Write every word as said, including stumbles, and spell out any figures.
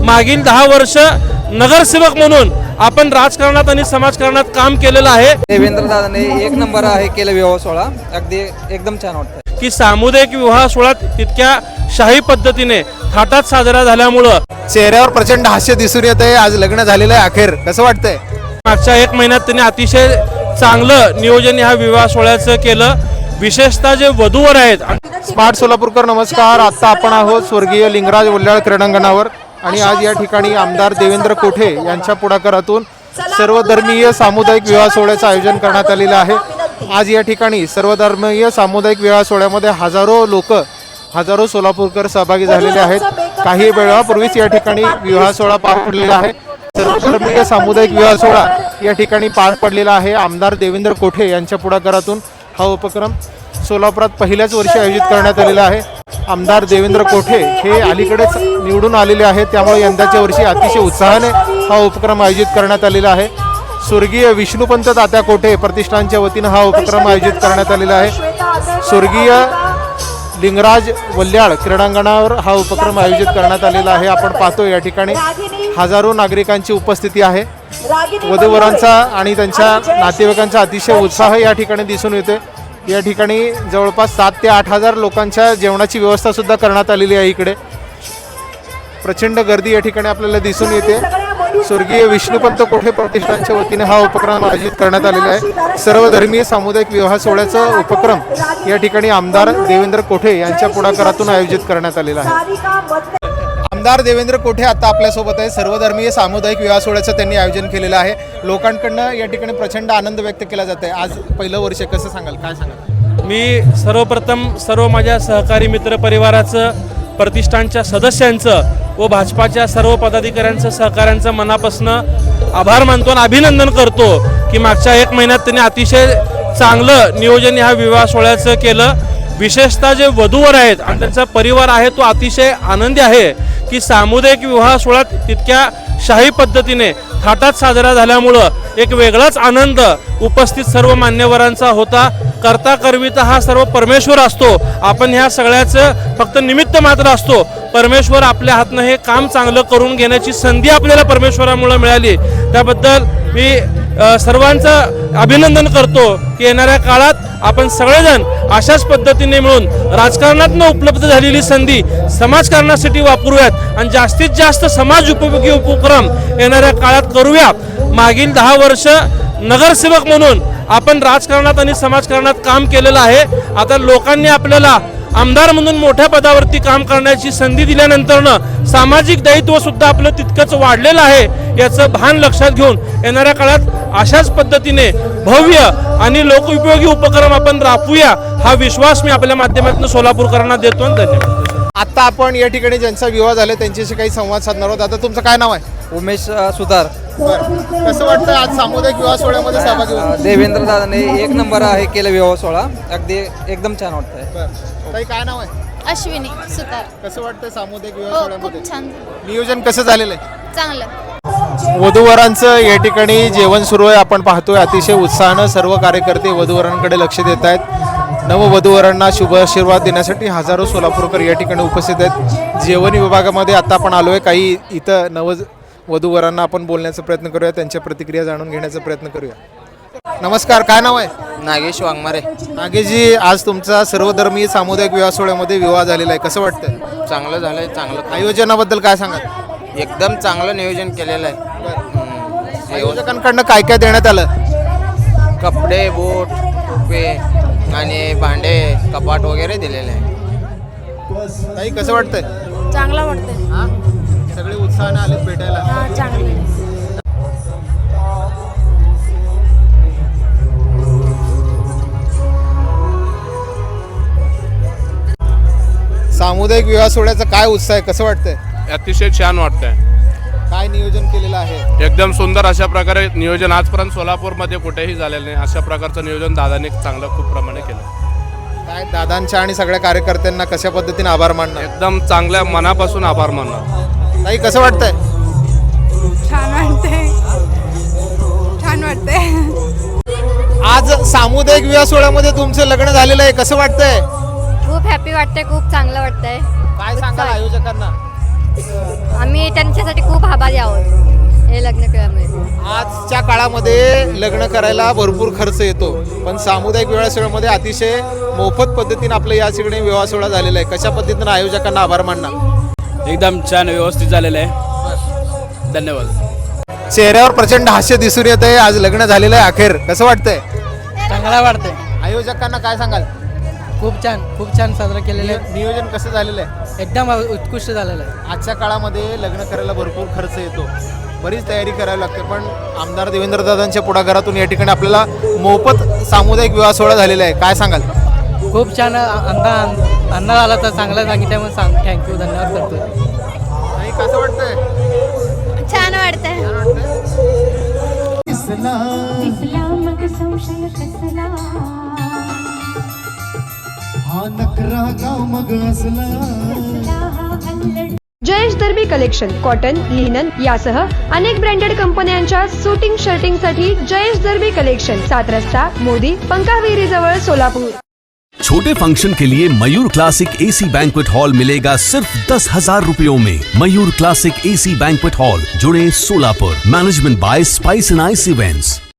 मागील दहा वर्ष नगरसेवक म्हणून आपण राजकारणात आणि समाजकारणात काम केलेलं आहे। देवेंद्र दादाने एक नंबर आहे केलं विवाह सोहळा, अगदी एकदम छान वाटतं की सामुदायिक विवाह सोहळा तितक्या शाही पद्धतीने थाटात साजरा झाल्यामुळं चेहऱ्यावर प्रचंड हास्य दिसून येत आहे। आज लग्न झालेलं आहे अखेर, कसं वाटतंय? मागच्या एक महिन्यात त्यांनी अतिशय चांगलं नियोजन ह्या विवाह सोहळ्याचं केलं। विशेषतः जे वधूवर आहेत। स्मार्ट सोलापूरकर नमस्कार। आता आपण आहोत स्वर्गीय लिंगराज वल्ल्याळ क्रीडांगणावर आणि आज या ठिकाणी आमदार देवेंद्र कोठे यांच्या पुढाकारातून सर्वधर्मीय सामुदायिक विवाह सोहळ्याचं आयोजन करण्यात आलेलं आहे। आज या ठिकाणी सर्वधर्मीय सामुदायिक विवाह सोहळ्यामध्ये हजारो लोक हजारो सोलापूरकर सहभागी झालेले आहेत। काही वेळापूर्वीच या ठिकाणी विवाह सोहळा पार पडलेला आहे। सर्वधर्मीय सामुदायिक विवाह सोहळा या ठिकाणी पार पडलेला आहे। आमदार देवेंद्र कोठे यांच्या पुढाकारातून हा उपक्रम सोलापुरात पहिल्याच वर्षी आयोजित करण्यात आलेला आहे। आमदार देवेंद्र कोठे हे अलीकडेच निवडून आलेले आहेत, त्यामुळे यंदाच्या वर्षी अतिशय उत्साहाने हा उपक्रम आयोजित करण्यात आलेला आहे। स्वर्गीय विष्णुपंत तात्या कोठे प्रतिष्ठानच्या वतीनं हा उपक्रम आयोजित करण्यात आलेला आहे। स्वर्गीय लिंगराज वल्ल्याळ क्रीडांगणावर हा उपक्रम आयोजित करण्यात आलेला आहे। आपण पाहतो या ठिकाणी हजारो नागरिकांची उपस्थिती आहे। वधूवरांचा आणि त्यांच्या नातेवाईकांचा अतिशय उत्साह या ठिकाणी दिसून येते। या ठिकाणी जवळपास सात ते आठ हजार लोकांच्या जेवणाची व्यवस्था सुद्धा करण्यात आलेली आहे। इकडे प्रचंड गर्दी या ठिकाणी आपल्याला दिसून येते। स्वर्गीय विष्णुपंत कोठे प्रतिष्ठानच्या वतीने हा उपक्रम आयोजित करण्यात आलेला आहे। सर्वधर्मीय सामुदायिक विवाह सोहळ्याचा उपक्रम या ठिकाणी आमदार देवेंद्र कोठे यांच्या पुढाकारातून आयोजित करण्यात आलेला आहे। आमदार देवेंद्र कोठे आता आपल्यासोबत आहे। सर्वधर्मीय सामुदायिक विवाह सोहळ्याचं त्यांनी आयोजन केलेलं आहे। लोकांकडनं या ठिकाणी प्रचंड आनंद व्यक्त केला जात आहे। आज पहिलं वर्ष कसं सांगाल, काय सांगाल? मी सर्वप्रथम सर्व माझ्या सहकारी मित्र परिवाराचं, प्रतिष्ठानच्या सदस्यांचं व भाजपाच्या सर्व पदाधिकाऱ्यांचं सहकाऱ्यांचं मनापासून आभार मानतो आणि अभिनंदन करतो की मागच्या एक महिन्यात त्यांनी अतिशय चांगलं नियोजन ह्या विवाह सोहळ्याचं केलं। विशेषतः जे वधूवर आहेत आणि त्यांचा परिवार आहे तो अतिशय आनंदी आहे की सामुदायिक विवाह सोहळा तितक्या शाही पद्धतीने थाटात साजरा झाल्यामुळं एक वेगळाच आनंद उपस्थित सर्व मान्यवरांचा होता। करता करविता हा सर्व परमेश्वर असतो, आपण ह्या सगळ्याचं फक्त निमित्त मात्र असतो। परमेश्वर आपल्या हातनं हे काम चांगलं करून घेण्याची संधी आपल्याला परमेश्वरामुळे मिळाली, त्याबद्दल मी सर्वांचं अभिनंदन करतो की येणाऱ्या काळात आपण सगळेजण अशाच पद्धतीने मिळून राजकारणातून उपलब्ध झालेली संधी समाजकारणासाठी वापरूयात आणि जास्तीत जास्त समाज उपयोगी उपक्रम येणाऱ्या काळात करूया। मागील दहा वर्ष नगरसेवक म्हणून आपण राजकारणात आणि समाजकारणात काम केलेलं आहे। आता लोकांनी आपल्याला आमदार म्हणून मोठ्या पदावरती काम करण्याची संधी दिल्यानंतरनं सामाजिक दायित्व सुद्धा आपलं तितकंच वाढलेलं आहे, याचं भान लक्षात घेऊन येणाऱ्या काळात अशाच पद्धतीने भव्य आणि लोकोपयोगी उपक्रम आपण राबवूया, हा विश्वास मी आपल्या माध्यमातून सोलापूरकरांना देतो। धन्यवाद। आता आपण या ठिकाणी ज्यांचा विवाह झाला त्यांच्याशी काही संवाद साधणार आहोत। आता तुमचं काय नाव आहे? उमेश सुतार। कसं वाटतं आज सामुदायिक विवाह सोहळ्यामध्ये सहभागी होऊन? देवेंद्र दादाने एक नंबर आहे केलं विवाह सोहळा, अगदी एकदम छान वाटतंय। ताई काय नाव आहे? अश्विनी सुतार। कसं वाटतं सामुदायिक विवाह हो, सोहळ्यामध्ये? खूप छान, नियोजन कसं झालेलं आहे? चांगलं। वधूवरांचं या ठिकाणी जेवण सुरू आहे, आपण पाहतोय अतिशय उत्साहानं सर्व कार्यकर्ते वधूवरांकडे लक्ष देत आहेत। नववधूवरांना शुभ आशीर्वाद देण्यासाठी हजारो सोलापूरकर या ठिकाणी उपस्थित आहेत। जेवण विभागामध्ये आता आपण आलोय, काही इथं नव वधूवरांना आपण बोलण्याचा प्रयत्न करूया, त्यांच्या प्रतिक्रिया जाणून घेण्याचा प्रयत्न करूया। नमस्कार, काय नाव आहे? नागेश वाघमारे। नागेशजी, आज तुमचा सर्वधर्मीय सामुदायिक विवाह सोहळ्यामध्ये विवाह झालेला आहे, कसं वाटतंय? चांगलं झालंय, चांगलं आयोजनाबद्दल काय सांगाल? एकदम चांगलं नियोजन केलेलं आहे। आयोजकांकडनं काय काय देण्यात आलं? कपडे, बूट, टोपे आणि भांडे, कपाट वगैरे दिलेले आहे। ताई कसं वाटतंय? चांगलं वाटतंय। सगळे उत्साहाने आलेत भेटायला। हा, चांगलं। सामुदायिक विवाह सोहळ्याचा काय उत्साह आहे, कसं वाटतंय? अतिशय छान वाटतंय। काय नियोजन केलेलं आहे? एकदम सुंदर अशा प्रकारे नियोजन आजपर्यंत सोलापूरमध्ये कुठेही झालेलं नाही, अशा प्रकारचं नियोजन दादाने चांगलं खूप प्रमाणे केलं। काय दादांच्या आणि सगळ्या कार्यकर्त्यांना कशा पद्धतीने आभार मानणार? एकदम चांगल्या मनापासून आभार मानणार। ताई कसं वाटतंय? छान वाटतंय, छान वाटतंय। आज सामुदायिक विवाह सोहळ्यामध्ये तुमचं लग्न झालेलं आहे, कसं वाटतंय? खूप हॅपी वाटतंय, खूप चांगलं वाटतंय। काय सांगाल आयोजकांना? आम्ही त्यांच्यासाठी खूप आभारी आहोत हे लग्न केल्यामुळे. आजच्या काळामध्ये लग्न करायला भरपूर खर्च येतो, पण सामुदायिक विवाह सोहळ्यामध्ये अतिशय मोफत पद्धतीने आपलं या ठिकाणी विवाह सोहळा झालेला आहे. कशा पद्धतीनं आयोजकांना आभार मानणार? एकदम छान व्यवस्थित झालेलं आहे. धन्यवाद. चेहऱ्यावर प्रचंड हास्य दिसून येत आहे. आज लग्न झालेलं आहे अखेर, कसं वाटतंय? चांगला वाटतंय. आयोजकांना काय सांगाल? खूप छान खूप छान साजरा केलेलं आहे. नियोजन कसं झालेलं आहे? एकदम उत्कृष्ट झालेलं आहे. आजच्या काळामध्ये लग्न करायला भरपूर खर्च येतो, बरीच तयारी करावी लागते, पण आमदार देवेंद्रदादांच्या पुढाकारातून या ठिकाणी आपल्याला मोफत सामुदायिक विवाह सोहळा झालेला आहे. काय सांगाल? खूप छान अंदा अंदाज आला तर चांगला सांगितल्यामुळे सांग थँक्यू धन्यवाद करतो. आणि कसं वाटतंय? छान वाटतंय. Jayesh Darbi collection cotton, linen यासह अनेक ब्रँडेड कंपन्यांच्या सुटिंग शर्टिंगसाठी जयेश दर्बी कलेक्शन, सात रस्ता मोदी पंकाविरी जवळ सोलापूर. छोटे फंक्शन के लिए Mayur classic AC banquet hall मिलेगा सिर्फ दस हजार रुपयों में. Mayur classic AC banquet hall, जुड़े Solapur. Management by Spice and Ice events.